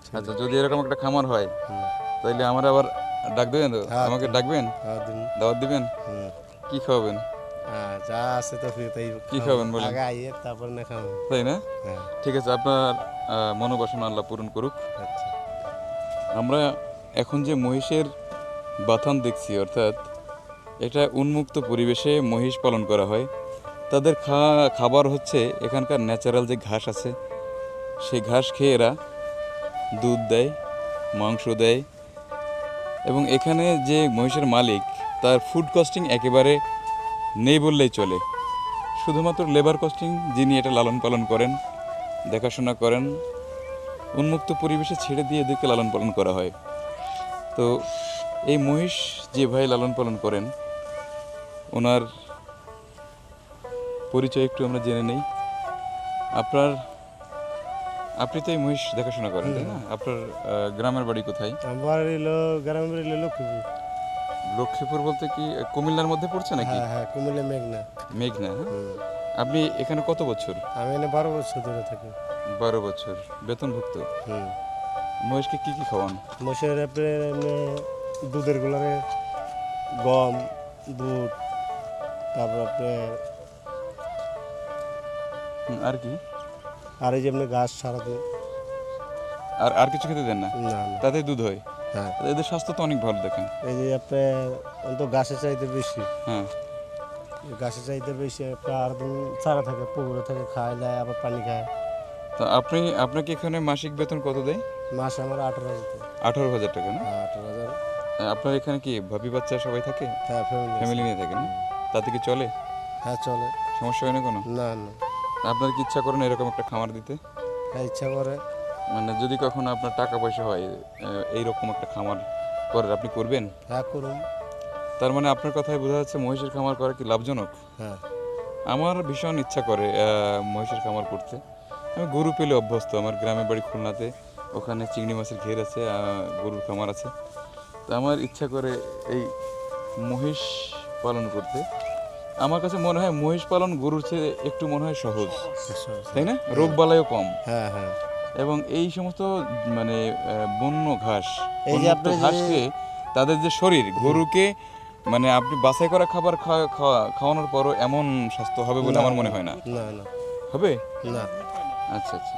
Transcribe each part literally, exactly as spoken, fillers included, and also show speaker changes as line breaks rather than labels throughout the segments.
আচ্ছা, যদি এরকম একটা খামার হয় তাহলে আমরা আবার ডাক দেবেন তো? আমাকে ডাকবেন, দাওয়াত দিবেন, কি খাওয়াবেন?
যা আছে তো তাই
কি খাবেন বলেন?
আগে আইয়ে তারপর না খাবো,
তাই না?
হ্যাঁ।
ঠিক আছে, আপনার আহ, মনোবাসনা আল্লাহ পূরণ করুক।
আচ্ছা,
আমরা এখন যে মহিষের বাথান দেখছি, অর্থাৎ এটা উন্মুক্ত পরিবেশে মহিষ পালন করা হয়। তাদের খা খাবার হচ্ছে এখানকার ন্যাচারাল যে ঘাস আছে, সেই ঘাস খেয়ে এরা দুধ দেয়, মাংস দেয়। এবং এখানে যে মহিষের মালিক, তার ফুড কস্টিং একেবারে নেই বললেই চলে। শুধুমাত্র লেবার কস্টিং যিনি এটা লালন পালন করেন, দেখাশোনা করেন, উন্মুক্ত পরিবেশে ছেড়ে দিয়ে এদেরকে লালন পালন করা হয়। তো এই মহিষ যে ভাই লালন পালন করেন, ওনার পরিচয় একটু আমরা জেনে নেই। আপনার আপনি তো এই মহিষ দেখাশোনা করেন, তাই না? আপনার আহ, গ্রামের বাড়ি কোথায়?
আমার এলো গ্রামের বাড়ি এলো লক্ষ্মীপুর।
লক্ষ্মীপুর বলতে কি কুমিল্লার মধ্যে পড়ছে নাকি?
হ্যাঁ হ্যাঁ, কুমিল্লা মেঘনা।
মেঘনা, হ্যাঁ। আপনি এখানে কত বছর?
আমি এনে বারো বছর ধরে থাকি।
বারো বছর বেতনভুক্ত।
হুম
মহিষকে কি কি খাওয়ান?
মশের আপনার এমনি দুধের গুলারে গম, দুধ, তারপর আপনার
হুম, আর কি?
আর এই যে এমনি ঘাস সারাদিন।
আর আর কিছু খেতে দেন না?
না না,
তাতে দুধ হয়?
হ্যাঁ।
এদের স্বাস্থ্য তো অনেক ভালো দেখেন।
এই যে আপনার অন্ত ঘাসের চাইতে বেশি,
হ্যাঁ।
ঘাসের চাইতে বেশি আপনার আর দিন চারা থাকে, পুকুরে থাকে, খায় যায়, আবার পানি খায়।
তো আপনি আপনাকে এখানে মাসিক বেতন কত দেয়?
মাসে আমার আঠারো হাজার টাকা।
আঠারো হাজার টাকা না?
হ্যাঁ, আঠারো হাজার।
আপনার এখানে কি ভাবি বাচ্চা সবাই থাকে?
হ্যাঁ, ফ্যামিলি
ফ্যামিলি নিয়ে থাকেন না? তাতে কি চলে?
হ্যাঁ চলে,
সমস্যা হয় না কোনো?
না না।
আপনার কি ইচ্ছা করেন এরকম একটা খামার দিতে?
হ্যাঁ, ইচ্ছা করে।
মানে যদি কখনো আপনার টাকা পয়সা হয়, এইরকম একটা খামার করার, আপনি করবেন?
হ্যাঁ করুন।
তার মানে আপনার কথায় বোঝা যাচ্ছে মহিষের খামার করা কি লাভজনক?
হ্যাঁ।
আমার ভীষণ ইচ্ছা করে আহ, মহিষের খামার করতে। আমি গরু পেলে অভ্যস্ত, আমার গ্রামের বাড়ি খুলনাতে, ওখানে চিংড়ি মাছের ঘের আছে, আহ, গরুর খামার আছে। তো আমার ইচ্ছা করে এই মহিষ পালন করতে। আমার কাছে মনে হয় মহিষ পালন গরুর চেয়ে একটু মনে হয় সহজ, তাই না? রোগ বালাইও কম।
হ্যাঁ হ্যাঁ।
এবং এই সমস্ত মানে আহ, বন্য ঘাস,
এই যে
উন্মুক্ত
আপনি যে-
ঘাস খেয়ে তাদের যে শরীর, গরুকে মানে আপনি বাছাই করা খাবার খাওয়া- খাওয়া- খাওয়ানোর পরও এমন স্বাস্থ্য হবে বলে আমার মনে হয় না।
না না
হবে?
না।
আচ্ছা আচ্ছা।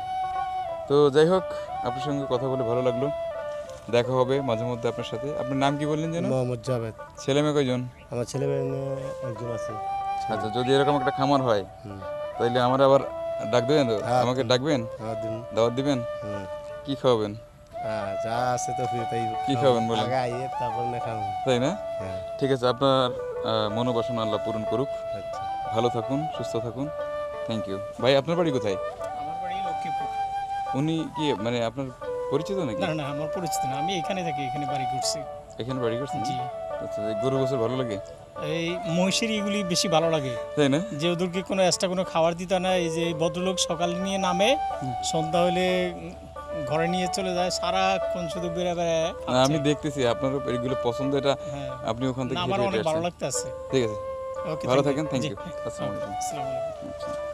তো যাই হোক, আপনার সঙ্গে কথা বলে ভালো লাগলো। দেখা হবে মাঝে মধ্যে আপনার সাথে। আপনার নাম কি বললেন যেন?
মোহাম্মদ জাভেদ।
ছেলে মেয়ে কয়জন?
আমার ছেলে মেয়ে নিয়ে একজন আছে।
আচ্ছা, যদি এরকম একটা খামার হয়
হুম।
তাহলে আমরা আবার ডাক দেবেন তো?
হ্যাঁ,
আমাকে ডাকবেন,
হ্যাঁ দিন।
দাওয়াত দিবেন,
হুম।
কি খাওয়াবেন?
হ্যাঁ, যা আছে তো তাই
কি
খাবো।
খাবেন বলেন?
আগে আইয়ে তারপর না খাবো,
তাই না?
হ্যাঁ।
ঠিক আছে, আপনার আহ, মনোবাসনা আল্লাহ পূরণ করুক।
আচ্ছা।
ভালো থাকুন, সুস্থ থাকুন। থ্যাংক ইউ ভাই। আপনার বাড়ি কোথায়?
আমার বাড়ি লক্ষ্মীপুর।
উনি কি মানে আপনার পরিচিত নাকি?
না না, আমার পরিচিত না, আমি এখানে থাকি, এখানে বাড়ি করছি।
এখানে বাড়ি করছেন?
জি।
আচ্ছা, এই গরু বছর ভালো লাগে,
এই মহিষের এগুলি বেশি ভালো লাগে,
তাই না?
যে ওদেরকে কোনো এক্সট্রা কোনো খাবার দিতে হয় না। এই যে ভদ্রলোক সকালে নিয়ে নামে, সন্ধ্যা হলে উম, ঘরে নিয়ে চলে যায়, সারাক্ষণ শুধু বেড়ে বেড়ে
না, আমি দেখতেছি আপনার এগুলো পছন্দ, এটা
হ্যাঁ,
আপনি ওখান থেকে
না, আমার
হেঁটে
অনেক
হেঁটে
ভালো
আসছেন।
লাগতে আছে।
ঠিক আছে,
ওকে,
ভালো
thank you.
থাকেন, থ্যাংক
জি,
ইউ। আসসালামু আলাইকুম।
আসসালামু আলাইকুম।
আচ্ছা।